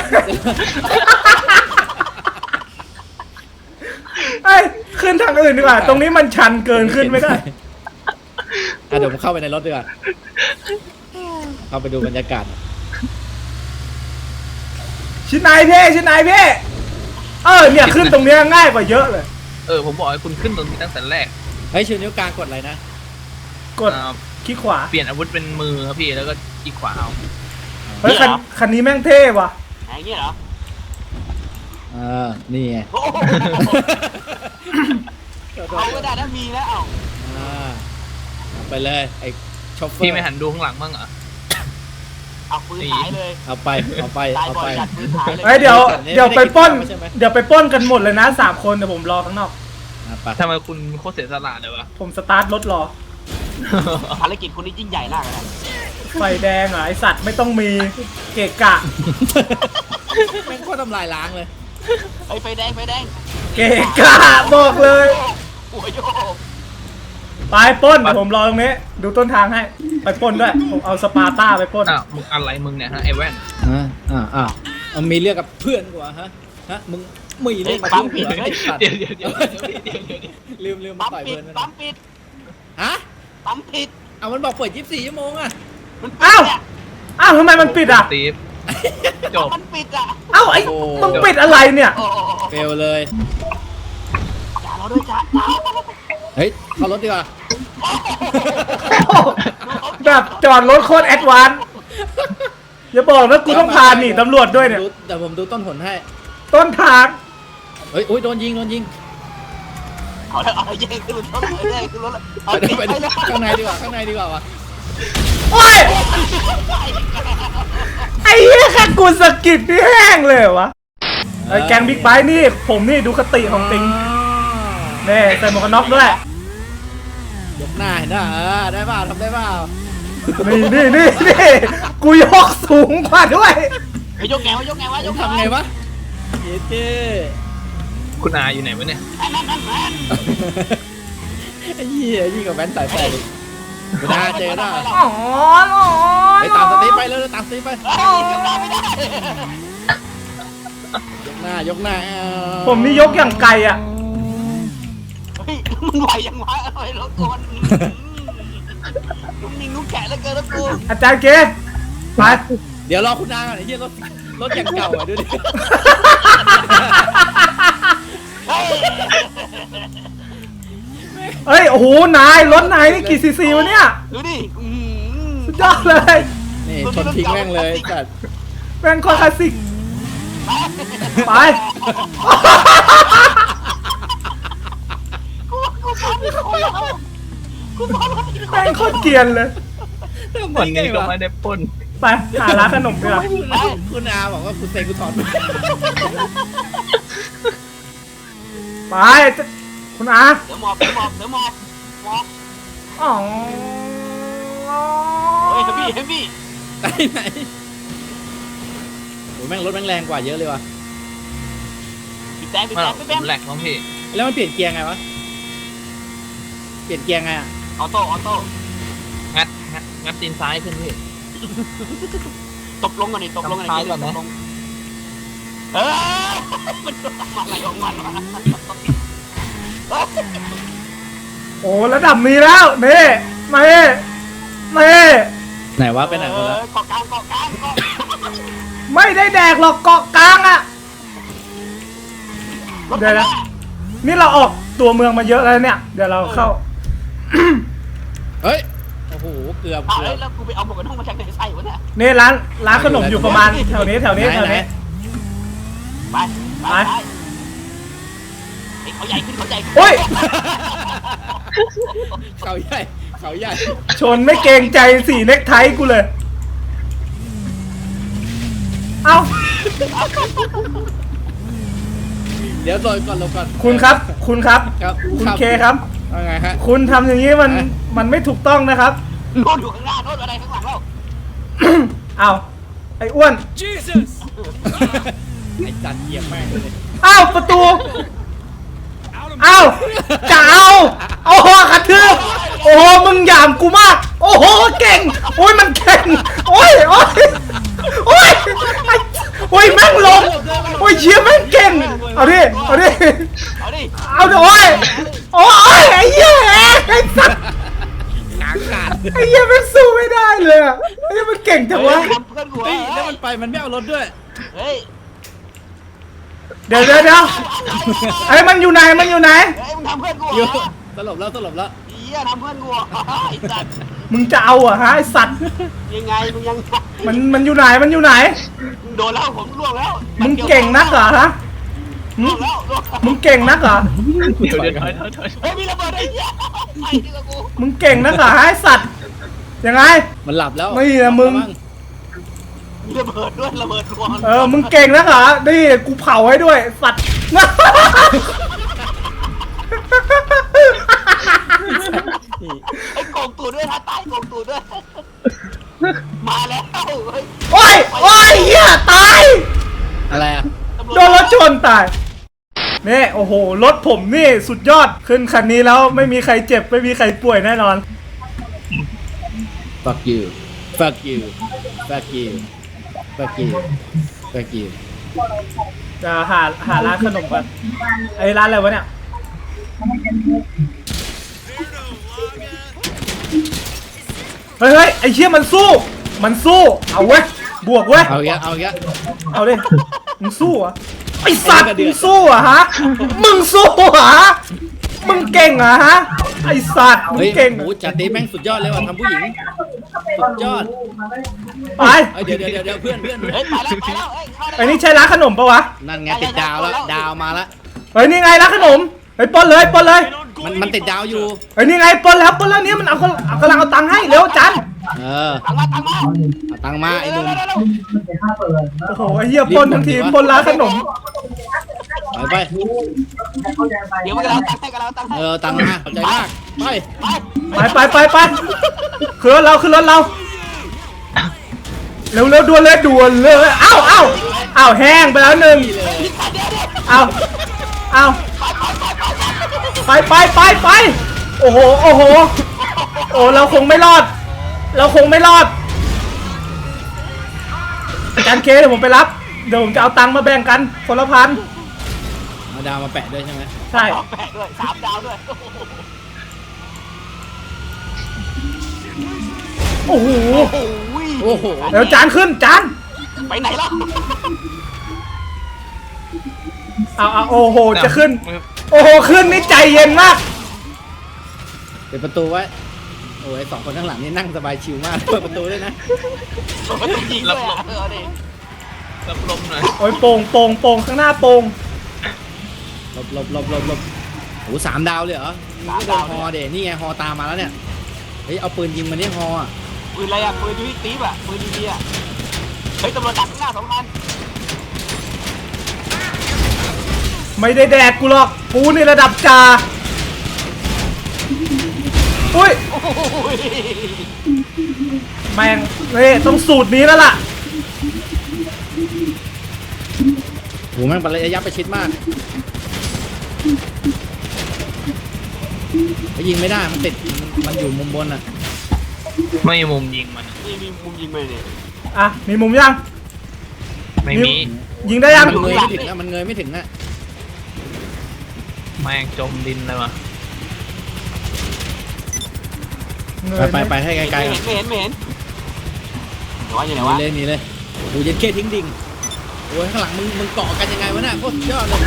[SPEAKER 1] ไอ้ยขึ้นทางอื่นดีกว่า ตรงนี้มันชันเกินขึ้นไม่ได้
[SPEAKER 4] อ่ะเดี๋ยวผมเข้าไปในรถดีกว่าเข้าไปดูบรรยากาศ
[SPEAKER 1] ชินายเพ่ชินายเพ่เออเนี่ยขึ้นตรงเนี้ยง่ายกว่าเยอะเลย
[SPEAKER 6] เออผมบอกให้คุณขึ้นตรงนี้ตั้งแต่แรก
[SPEAKER 4] เฮ้ยชูนิ้วกลางกดอะไรนะ
[SPEAKER 1] กด
[SPEAKER 6] อ่า
[SPEAKER 1] คลิกขวา
[SPEAKER 6] เปลี่ยนอาวุธเป็นมือครับพี่แล้วก็อีกขวาเอา
[SPEAKER 1] เฮ้ยคันคันนี้แม่งเท่ว่ะ
[SPEAKER 5] อย่างเงี้ยเหรอ
[SPEAKER 4] อ่านี่ไง
[SPEAKER 5] โอ้โหเอาก็ได้ถ้ามีแล้วเอา
[SPEAKER 4] อ่าเอาไปเลยไอ้ชอฟเฟอร์
[SPEAKER 6] พี่ไม่หันดูข้างหลังบ้างเหรอ
[SPEAKER 5] เอาปืนหายเลย
[SPEAKER 4] เอาไปเอาไป
[SPEAKER 5] ตาย
[SPEAKER 4] เอา
[SPEAKER 5] บ่อ
[SPEAKER 4] ไป
[SPEAKER 5] ยจัดปืนหายเลย
[SPEAKER 1] เฮ้ยเดี๋ยว
[SPEAKER 4] ไม่ได้
[SPEAKER 1] เดี๋ยวไปปล้น
[SPEAKER 4] ไม่ได้คิดว่าใช่ไหม
[SPEAKER 1] เดี๋ยวไปปล้นกันหมดเลยนะสามคนเดี๋ยวผมรอข้างนอก
[SPEAKER 4] อ่ะไป
[SPEAKER 6] ทำไมคุณโคตรเสียสละเลยวะ
[SPEAKER 1] ผมสตาร์ทรถรอ
[SPEAKER 5] ภารกิจคนนี้ยิ่งใหญ่มากเลยนะ
[SPEAKER 1] ไฟแดงเหรอไอสัตว์ไม่ต้องมีเกะกะ
[SPEAKER 4] แม่งโคตรทำลายล้างเลย
[SPEAKER 5] ไอ้ยไฟแดงไฟแดง
[SPEAKER 1] เกะกะบอกเลย
[SPEAKER 5] โอ้ยโยก
[SPEAKER 1] ไปปล้นเดี๋ยวผมรอตรงนี้ ดูต้นทางให้ ไปปล้นด้วย ผมเอาสปาร์ต้าไปปล้น
[SPEAKER 6] อ้าวมึงอะไรมึงเนี่ยฮะไอ้แว่น
[SPEAKER 4] อ่าอ่าอ่าเอามีเรื่องกับเพื่อนกว่าฮะฮะมึงมีเรื่องกับเพื่อนกว่าไอ้สัตว์
[SPEAKER 6] เดี๋ยวเดี๋ยวเดี๋ยวเดี๋ยวเดี๋ยวเดี๋ยวเดี๋ยว
[SPEAKER 4] ลืมลืมมา
[SPEAKER 5] ปั๊ม
[SPEAKER 4] ต่อย
[SPEAKER 5] ปิด
[SPEAKER 4] เพื่อนนะ
[SPEAKER 5] ปั๊มปิด
[SPEAKER 4] ฮะ
[SPEAKER 5] ปั๊มปิด
[SPEAKER 4] เอามันบอกเปิดยี่สิบสี่ชั่วโมงอะ
[SPEAKER 5] มันปิด
[SPEAKER 1] อ้าว
[SPEAKER 5] เนี่ย
[SPEAKER 1] อ้าวทำไมมันปิดอ่ะ
[SPEAKER 6] สตีฟจบ
[SPEAKER 5] มันปิดอ่ะ
[SPEAKER 1] อ้าวไอ้มึงปิดอะไรเนี่ย
[SPEAKER 5] โอ้โห
[SPEAKER 4] เฟลเลย
[SPEAKER 5] จ่าเราด้วยจ่าจ่า
[SPEAKER 4] เฮ้ยเข้ารถดีกว่า
[SPEAKER 1] แบบจอดรถโคตรแอดวานซ์อย่าบอกนะกูต้องพาหนีตำรวจด้วยเนี่ย
[SPEAKER 4] ดูแต่ผมดูต้นผลให้
[SPEAKER 1] ต้นทาง
[SPEAKER 4] เฮ้ยอุ้ยโดนยิงโดนยิง
[SPEAKER 5] เอาแล้วเอาแย่งขึ้นรถเลยแย่งขึ้นรถเลยเอา
[SPEAKER 4] ไป
[SPEAKER 5] ติด
[SPEAKER 4] ไป
[SPEAKER 5] ไปเลย
[SPEAKER 4] ข้างในดีกว่าข้างในดีกว่าวะ
[SPEAKER 1] โอ้ย ไอ้เหี้ยแค่กูสะกิดนี่แห้งเลยเหรอวะไอ้แกงบิ๊กไบค์นี่ ผมนี่ดูคติของติงเน่ใส่หมวกกันน็อกด้วย
[SPEAKER 4] ยกหน้าเห็นป่ะเออได้เปล่าทำได้เปล่า
[SPEAKER 1] นี่นี่นี่นี่กูยกสูงกว่าด้วย
[SPEAKER 5] ไอ้ยกแงวะยกแงวะยกแงวะ
[SPEAKER 4] ทำไงวะเย้เจ้
[SPEAKER 6] คุณอาอยู่ไหนวะเนี่ย
[SPEAKER 5] นั่นนั่นนั่นนั่น
[SPEAKER 4] ไอ้เหี้ยยิ่งกับแว้นสายแปดอีกไม่ได้เจอหน้า
[SPEAKER 1] อ๋อหรอ
[SPEAKER 4] ไปตามสตีฟไปเลยตามสตีฟไป
[SPEAKER 5] เฮ้ยยกได้ไม่ได้
[SPEAKER 4] ยกหน้ายกหน้าเอา
[SPEAKER 1] ผมนี่ยกอย่างไกลอ่ะ
[SPEAKER 5] เฮ้ยมึงไหวยังวะไอ้รถกูมันนุ่มนิ่งนุ่มแข็งเหลือเกินแล้วกู
[SPEAKER 1] อาจารย์เกศไป
[SPEAKER 4] เดี๋ยวรอคุณนางก่อนไอ้เหี้ยรถรถอย่างเก่าอ่ะดูดิ
[SPEAKER 5] เฮ้ย
[SPEAKER 1] เฮ้ย โอ้โห นาย รถนายนี่กี่ซีซีวะเนี่ย
[SPEAKER 5] ดูดิอื้อหือ
[SPEAKER 1] สุดยอดเลย
[SPEAKER 4] นี่ชนทิ้งแม่งเลยจัด
[SPEAKER 1] แม่งคอคลาสสิก ไป
[SPEAKER 5] กูกูพร้อมที่คนแล้วกูพร้อมที่คน
[SPEAKER 1] แม่งโคตรเกรียนเลย
[SPEAKER 6] วันนี้ก็ไม่ได้ปล้น
[SPEAKER 1] ไป หาร้านขนมดีกว่า
[SPEAKER 4] คุณอาบอกว่าคุณเซกูถอด
[SPEAKER 1] ไปจะคุณอา
[SPEAKER 5] เสือหมอบเสือหมอบเสือหมอบหมอบ
[SPEAKER 1] อ๋อ
[SPEAKER 5] เฮ้ยเฮฟวี่เฮฟวี่
[SPEAKER 4] ไหนไหนโอ้ยแม่งรถแม่งแรงกว่าเยอะเลยว่ะ
[SPEAKER 5] ปิดแดงปิด
[SPEAKER 6] มา
[SPEAKER 5] แด
[SPEAKER 6] หร
[SPEAKER 5] ง
[SPEAKER 6] อก
[SPEAKER 5] ปิด
[SPEAKER 6] ผ
[SPEAKER 5] แดง
[SPEAKER 6] มแหลกมั้งพี่
[SPEAKER 4] แล้วมันเปลี่ยนเกียร์ไงวะ เปลี่ยนเกียร์ไงอ่ะ
[SPEAKER 5] ออโต้ออโต้
[SPEAKER 6] งัดงัดงัดตีนซ้ายขึ้นพี่
[SPEAKER 5] ตบลงก่อนดิตบลงก่อน
[SPEAKER 6] ทำท้าย
[SPEAKER 5] ดิ
[SPEAKER 6] ก่อนนะ
[SPEAKER 5] ตบลงเออมันทำอะไรของมันวะ
[SPEAKER 1] โอ้ระดับนี้แล้วเน่มาเน่มาเน่
[SPEAKER 4] ไหนวะไปไหนหมดแล้ว
[SPEAKER 5] เออเกาะกลางเกาะกลางเกาะ
[SPEAKER 1] ไม่ได้แดกหรอกเกาะกลางอะ
[SPEAKER 5] รถ
[SPEAKER 1] เดี๋ยวนะ นี่เราออกตัวเมืองมาเยอะแล้วเนี่ย เดี๋ยวเราเข้า
[SPEAKER 4] เฮ้ย โอ้โห เกือบ
[SPEAKER 5] อ้าว
[SPEAKER 4] เกือบ
[SPEAKER 5] แล้วกูไปเอาหมวกกันน็อกมาจากไหนใส่วะเนี่ย
[SPEAKER 1] นี่ร้านร้านขนมอยู่ประมาณแถวนี้แถวนี้แถวนี้
[SPEAKER 5] ไปไป
[SPEAKER 1] ไป
[SPEAKER 5] ไปไอ้เขาใหญ่ขึ้นเขาใหญ่ขึ้น
[SPEAKER 1] โอ้ย
[SPEAKER 4] เขาใหญ่ เขาใหญ่
[SPEAKER 1] ชนไม่เกรงใจสีเน็กไทกูเลย เอ้า
[SPEAKER 4] เดี๋ยวโดนก่อนลงก่อน
[SPEAKER 1] คุณครับ คุณครับ
[SPEAKER 4] ครับ
[SPEAKER 1] คุณ
[SPEAKER 4] รับ
[SPEAKER 1] เคครับ
[SPEAKER 4] ว่าไงฮะ
[SPEAKER 1] คุณทำอย่างนี้มัน
[SPEAKER 4] ฮะ
[SPEAKER 1] มันไม่ถูกต้องนะครับ
[SPEAKER 5] โน่นอยู่ข้างหน้าโน่นอะไรข้างหลังเรา
[SPEAKER 1] เอาไอ้อ้วน
[SPEAKER 4] ไอ้จัดเหยียบแม่งเลย
[SPEAKER 1] อ้าวประตูเอ้าจะเอาโอ้โหกระทืบโอ้โหมึงหยามกูมากโอ้โหเก่งโอ้ยมันเก่งโอ้ยโอ้ยโอ้ยไอ้โอ้ยแม่งลงโอ้ยเชี่ยแม่งเก่งเอาดิเอาดิ
[SPEAKER 5] เอาดิ
[SPEAKER 1] เอาดิโอ้ยโอ้ยไอ้เหี้ยไอ้สัส
[SPEAKER 4] กลางกาด
[SPEAKER 1] ไอ้เหี้ยมันสู้ไม่ได้เลยอะไอ้เหี้ยมันเก่งจังวะ
[SPEAKER 5] ทำเพื่อนกู
[SPEAKER 4] เฮ้ยแล้วมันไปมันไม่เอารถด้วย
[SPEAKER 5] เฮ้ย
[SPEAKER 1] เดี๋ยวเดี๋ยวเดี๋ยวไอ้ยมันอยู่ไหนมันอยู่ไหน
[SPEAKER 5] เฮ้ยมึงทำเพื่อนกู
[SPEAKER 4] อยู่
[SPEAKER 5] เหรอ
[SPEAKER 4] สลบแล้วสลบแล้ว
[SPEAKER 5] เหี้ยทำเพื่อนกูเหรอไอ้สัตว์
[SPEAKER 1] มึงจะเอาเหรอะฮะไอ้สัตว์
[SPEAKER 5] ยังไงมึงยัง
[SPEAKER 1] มันมันอยู่ไหนมันอยู่ไหน
[SPEAKER 5] มึงโดนแล้วผมล่วงแล้ว
[SPEAKER 1] มึงเก่งนักเหรอฮะหึ
[SPEAKER 5] ล่วงแล้วล่วงแล้ว
[SPEAKER 1] มึงเก่งนักเหรอ
[SPEAKER 6] เดี๋ยวเดี๋ยวถอยถอยถอย
[SPEAKER 5] เฮ้ยมีระเบิดไอ้เหี้ยไอ้ที่กับกู
[SPEAKER 1] มึงเก่งนักเหรอฮะไอ้สัตว์ยังไง
[SPEAKER 4] มันหลับแล้ว
[SPEAKER 1] ไม่นะมึง
[SPEAKER 5] มีระเบิดด้วยระเบิดรวง
[SPEAKER 1] เออมึงเก่งนักเหรอนี่กูเผาให้ด้วยสัตว์
[SPEAKER 5] ไอ้โกงตูดด้วยนะตายโกงตูดด้วยมาแล้วเฮ้ย
[SPEAKER 1] โอ้ยโอ้ยเหี้ยตาย
[SPEAKER 4] อะไรอ่ะ
[SPEAKER 5] ตำวจ
[SPEAKER 1] โดนรถชนตายนี่โอ้โหรถผมนี่สุดยอดขึ้นคันนี้แล้วไม่มีใครเจ็บไม่มีใครป่วยแน่นอน
[SPEAKER 4] fuck you fuck you fuck you fuck you fuck you
[SPEAKER 1] จะหาหาร้านขนมกันไอ้ร้านอะไรวะเนี่ยเฮ้ยเฮ้ยไอ้เชี่ยมันสู้ มันสู้เอาเว้ยบวกเว้ย
[SPEAKER 4] เอาอีกแล้วเอาอีกแล้ว
[SPEAKER 1] เอาดิมึงสู้เหรอะไอ้สัตว์มึงสู้เหรอะฮะมึงสู้เหรอฮะมึงเก่งเหรอฮะไอ้สัตว์มึง
[SPEAKER 4] เฮ้ย
[SPEAKER 1] เก่ง
[SPEAKER 4] หมูจัดตีแม่งสุดยอดเลยว่ะทำผู้หญิงสุดยอด
[SPEAKER 1] ไป
[SPEAKER 4] เอ้ยเดี๋ยวเดี๋ยวเดี๋ยวเดี๋ยวเพื่อนเพื่อน
[SPEAKER 5] เฮ้ยไปแล้วไปแล้วเฮ้ยเข้าได้
[SPEAKER 1] ไอ้นี่ใช่ร้านขนมปะวะ
[SPEAKER 4] นั่นไงติดดาวแล้วดาวมาแล้ว
[SPEAKER 1] เฮ้ยนี่ไงร้านขนมเฮ้ยปล้นเลยปล้นเลย
[SPEAKER 4] มันมันติดดาวอยู่
[SPEAKER 1] เฮ้ยนี่ไงปล้นแล้วปล้นแล้วเนี่ยมันเอาคนเอากำลังเอาตังค์ให้เร็วจัน
[SPEAKER 4] เออ
[SPEAKER 5] ตังมาตังมา
[SPEAKER 4] เอาตังค์มาไอ้หนุ่ม
[SPEAKER 1] โอ้โหไอ้เหี้ยปล้นทั้งทีปล้นร้านขนม
[SPEAKER 4] ไปไป
[SPEAKER 5] เดี๋ยวมันกำลังตังให้กำลังตังให้
[SPEAKER 4] เออตังค์มาขอบใจมากไป
[SPEAKER 5] ไป
[SPEAKER 1] ไปไปไปไปขึ้นรถเราขึ้นรถเราเร็วเร็วด่วนเลยด่วนเลยเอ้าเอ้าเอ้าแห้งไปแล้วหนึ่งเอ้าเอ้าไปไปไปไปโอ้โหโอ้โหโอ้เราคงไม่รอด เราคงไม่รอดอาจารย์เคเดี๋ยวผมไปรับเดี๋ยวผมจะเอาตังค์มาแบ่งกันคนละพัน
[SPEAKER 4] เอาดาวมาแปะด้วยใช่ไหม
[SPEAKER 1] ใช่
[SPEAKER 5] แปะด้วยสามดาวด้วย
[SPEAKER 1] โอ้โห
[SPEAKER 5] โอ้ย
[SPEAKER 4] โอ้โห
[SPEAKER 1] เดี๋ยวจานขึ้นจาน
[SPEAKER 5] ไปไหนแล้ว
[SPEAKER 1] เอาเอาโอ้โหจะขึ้น โอ้โหขึ้นนี่ใจเย็นมาก
[SPEAKER 4] ปิดประตูไว้โอ้ยสองคนข้างหลังนี่นั่งสบายชิลมากเปิดประตูด้วยนะ
[SPEAKER 5] มันต้องยิงด้วยอ่ะเออดิ
[SPEAKER 6] รับลมหน่อย
[SPEAKER 1] โอ้ยโป่งโป่งโป่งข้างหน้าโป่ง
[SPEAKER 4] หลบหลบหลบหลบหลบโอ้สามดาวเลยเหรอไม่โดนฮอเดนี่ไงฮอตามมาแล้วเนี่ยเฮ้ยเอาปืนยิงมันนี่ฮออ่ะ
[SPEAKER 5] ปืนอะไรอ่ะปืนยูนิตีฟอ่ะปืนดีๆอ่ะเฮ้ยตำรวจดักข้างหน้าสองคัน
[SPEAKER 1] ไม่ได้แดกกูหรอกกูนี่ระดับจ่าอุ้ย
[SPEAKER 5] โอ้ย
[SPEAKER 1] แม่งเฮ้ยต้องสูตรนี้แล้วล่ะ
[SPEAKER 4] โหแม่งระยะประชิดมากไปยิงไม่ได้มันติดมันอยู่มุมบนอ่ะ
[SPEAKER 6] ไม่มีมุมยิงมัน
[SPEAKER 5] นี่มีมุมยิงไหมเนี่ย
[SPEAKER 1] อ่ะมีมุมยัง
[SPEAKER 6] ไม่มี
[SPEAKER 1] ยิงได้ยัง
[SPEAKER 4] มันเงยไม่ถึงอ่ะมันเงยไม่ถึงอ่ะ
[SPEAKER 6] แม่งจมดินเลยว่ะ
[SPEAKER 4] ไปไปไปให้ไกลๆ
[SPEAKER 5] ไม่
[SPEAKER 4] ก่อน
[SPEAKER 5] เห็นไม่เห็นไม่เห็นเดี๋ยวว่าอยู่ไหน
[SPEAKER 4] หนี
[SPEAKER 5] วะ
[SPEAKER 4] เลยหนีเลยดูเย็นเคทิ้งดิ่งโอ้ยข้างหลังมึงมึงเกาะกันยังไงวะเนี่ยโคตรยอดเลย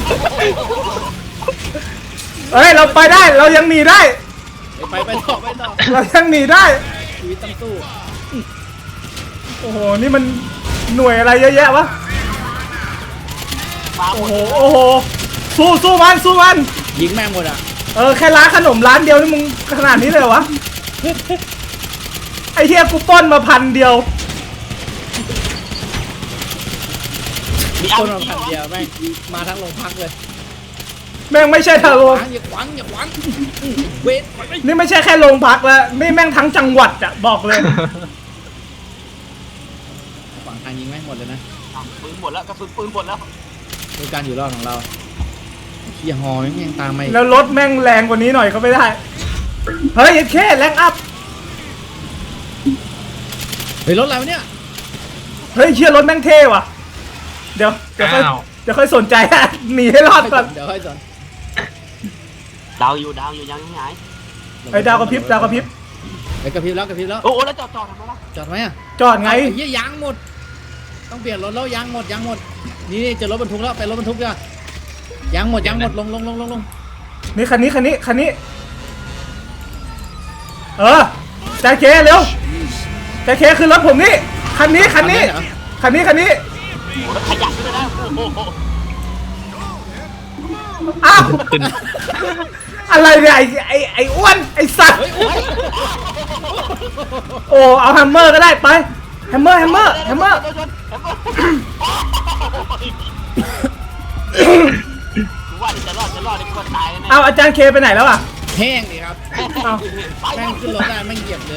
[SPEAKER 1] เฮ้ยเราไปได้เรายังหนีได้
[SPEAKER 4] ไปไปต่อไปต่อ
[SPEAKER 1] เรายังหนีได้
[SPEAKER 4] ชีวิตต้องสู้
[SPEAKER 1] โอ้โหนี่มันหน่วยอะไรเยอะแยะวะ
[SPEAKER 5] มาหม
[SPEAKER 1] โอ้
[SPEAKER 5] ด
[SPEAKER 1] โหโอ้โหสู้สู้มันสู้มัน
[SPEAKER 4] ยิงแม่งหมดอ่ะ
[SPEAKER 1] เออแค่ร้านขนมร้านเดียวนี่มึงขนาดนี้เลยเหรอวะไอ้เฮียกูปล้นมาพันเดียว
[SPEAKER 5] มีอา
[SPEAKER 4] คน
[SPEAKER 5] ร์
[SPEAKER 4] มา
[SPEAKER 5] พี
[SPEAKER 4] พันเดียวแม่งมาทั้งโรงพักเลย
[SPEAKER 1] แม่งไม่ใช่ทางโรง
[SPEAKER 4] อย่าขวางอย่าขวางเวท
[SPEAKER 1] นี่ไม่ใช่แค่โรงพักแล้วนี่แม่งทั้งจังหวัดอะบอกเลย
[SPEAKER 4] ขวางทางยิงแม่งหมดเลยนะ
[SPEAKER 5] ปืนหมดแล้วกระสุนปืนหมดแล้ว
[SPEAKER 4] คือการอยู่รอดของเราโอเคเฮียฮอแม่งยังตามมาอีก
[SPEAKER 1] แล้วรถแม่งแรงกว่านี้หน่อยก็ไม่ได้ เฮ้ยแค่แรงอัพ
[SPEAKER 4] เฮ้ยรถอะไรวะเนี่ย
[SPEAKER 1] เฮ้ยเชี่ยรถแม่งเท่ว่ะ เดี๋ยวเดี๋ยวค่อย
[SPEAKER 6] อ้าว
[SPEAKER 1] เดี๋ยวค่อยสนใจ หนีให้รอดก่อน
[SPEAKER 4] เดี๋ยวค่อยสอน
[SPEAKER 5] ดาวอยู่ดาวอยู่ยังไม่หาย
[SPEAKER 1] ไอ้ดาวกระพริบดาวกระพริบ
[SPEAKER 4] ไอ้กระพริบแล้วกระพริบแล้ว
[SPEAKER 5] โอ้โหแล้วจอดจอดทำไมล่ะ
[SPEAKER 4] จอดไหมอ่ะ
[SPEAKER 1] จอดไง
[SPEAKER 4] ไอ้เหี้ยยางหมด ต้องเปลี่ยนรถแล้วยางหมดยางหมด นี่นี่เจอรถบรรทุกแล้วไปรถบรรทุกดีกว่ายางหมดยางหมดลงลงลงลงลง
[SPEAKER 1] นี่คันนี้คันนี้คันนี้ เออใจเคเร็วใจเคขึ้นรถผมนี่คันนี้คันนี้
[SPEAKER 4] เหรอ
[SPEAKER 1] คันนี้คันนี้
[SPEAKER 5] โอ้โหแล้วขยับด้วยนะโอ้โห
[SPEAKER 1] อ้าวอะไรเนี่ยไอ้ไอ้ไอ้อ้วนไอ้สัตว์
[SPEAKER 4] เฮ้ยโอ้ย
[SPEAKER 1] โอ้เอาแฮมเมอร์ก็ได้ไปแฮมเมอร์แฮมเมอร์แฮมเมอร์
[SPEAKER 5] ชนชนแฮมเมอร์กูว่าจะรอดจะรอดไอ้คนตายแน่
[SPEAKER 1] เอาอาจารย์เคไปไหนแล้วอ่ะ
[SPEAKER 4] แห้งดิครับ
[SPEAKER 1] เอา
[SPEAKER 4] แม่งขึ้นรถได้แม่งเหยียบเลย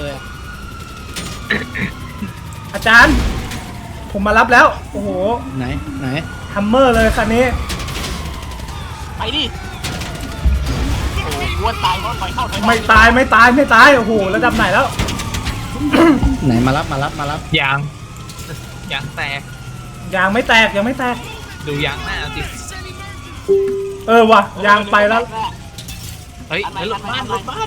[SPEAKER 1] อาจารย์ ผมมารับแล้วโอ้โห
[SPEAKER 4] ไหนไหน
[SPEAKER 1] แฮมเมอร์เลยคันนี้
[SPEAKER 5] ไปดิโอ้โหกูว่าตายเพราะปล่อยเข้าถอยออก
[SPEAKER 1] ไม่ตายไม่ตายไม่ตายโอ้โหระดับไหนแล้ว
[SPEAKER 4] ไหนมารับมารับมารับ
[SPEAKER 6] ยางยางแตก
[SPEAKER 1] ยางไม่แตกยังไม่แตก
[SPEAKER 6] ดูยางหน้าสิ
[SPEAKER 1] เออว่ะยางไปแล้ว
[SPEAKER 6] เฮ้ยเฮ้ยรถบ้านรถบ้าน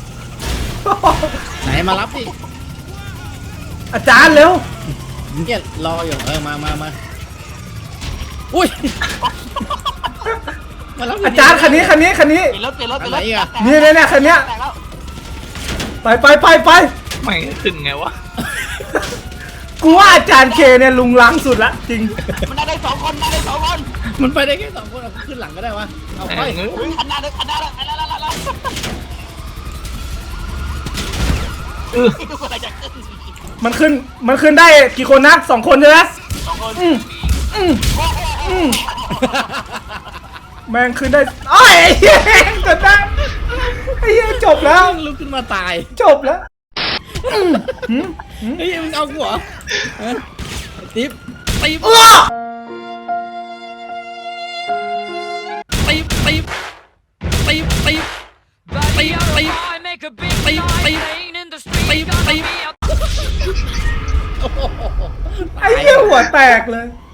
[SPEAKER 4] ไหนมารับดิ
[SPEAKER 1] อาจารย์เร็ว
[SPEAKER 4] เนี่ยรออยู่เออมามามาอุ้ยมารับ
[SPEAKER 1] อาจารย์คันนี้คันนี้คันนี้
[SPEAKER 5] เปลี่ยนรถเปลี่ยนรถเปลี่ยนรถ
[SPEAKER 4] อะไรอีกอะ
[SPEAKER 5] แตก
[SPEAKER 1] นี่เนี่ยเนี่ยคันเนี้ย
[SPEAKER 5] แตกแล้ว
[SPEAKER 1] ไปไปไปไป
[SPEAKER 6] ไม่ขึ้นไงวะ
[SPEAKER 1] กูว่าอาจารย์เคเนี่ยลุงล้างสุดละจริง
[SPEAKER 5] มันได้ได้สองคนได้ได้สองคน
[SPEAKER 4] มันไปได้แค่สองคนเอาขึ้นหลังก็ได้วะเอาไป
[SPEAKER 6] แม่ง
[SPEAKER 5] อุ้ยคันหน้าเลยคันหน้าเลยไปแล้วแล้วแล้วแล้ว
[SPEAKER 6] เออ
[SPEAKER 5] ทุกคนอะไรจะขึ้น
[SPEAKER 1] มันขึ้นมันขึ้นได้กี่คนนะสองคนใช่ไหม
[SPEAKER 5] สองคน
[SPEAKER 1] อืมอืมอืมแม่งขึ้นได้โอ้ยไอ้เหี้ยจบแล้วไอ้เหี้ยจบแล้ว
[SPEAKER 4] ลุกขึ้นมาตาย
[SPEAKER 1] จบแล้วอืมอืมอืม
[SPEAKER 4] เฮ้ยมึงเอากูเหรอฮะติ๊บติ๊บ
[SPEAKER 1] อ้อ
[SPEAKER 4] ติ๊บติ๊บติ๊บติ๊บติ๊บติ๊บติ๊บติ๊บติ๊บติ๊บโอ้โห
[SPEAKER 1] ไอ้เหี้ยหัวแตกเลย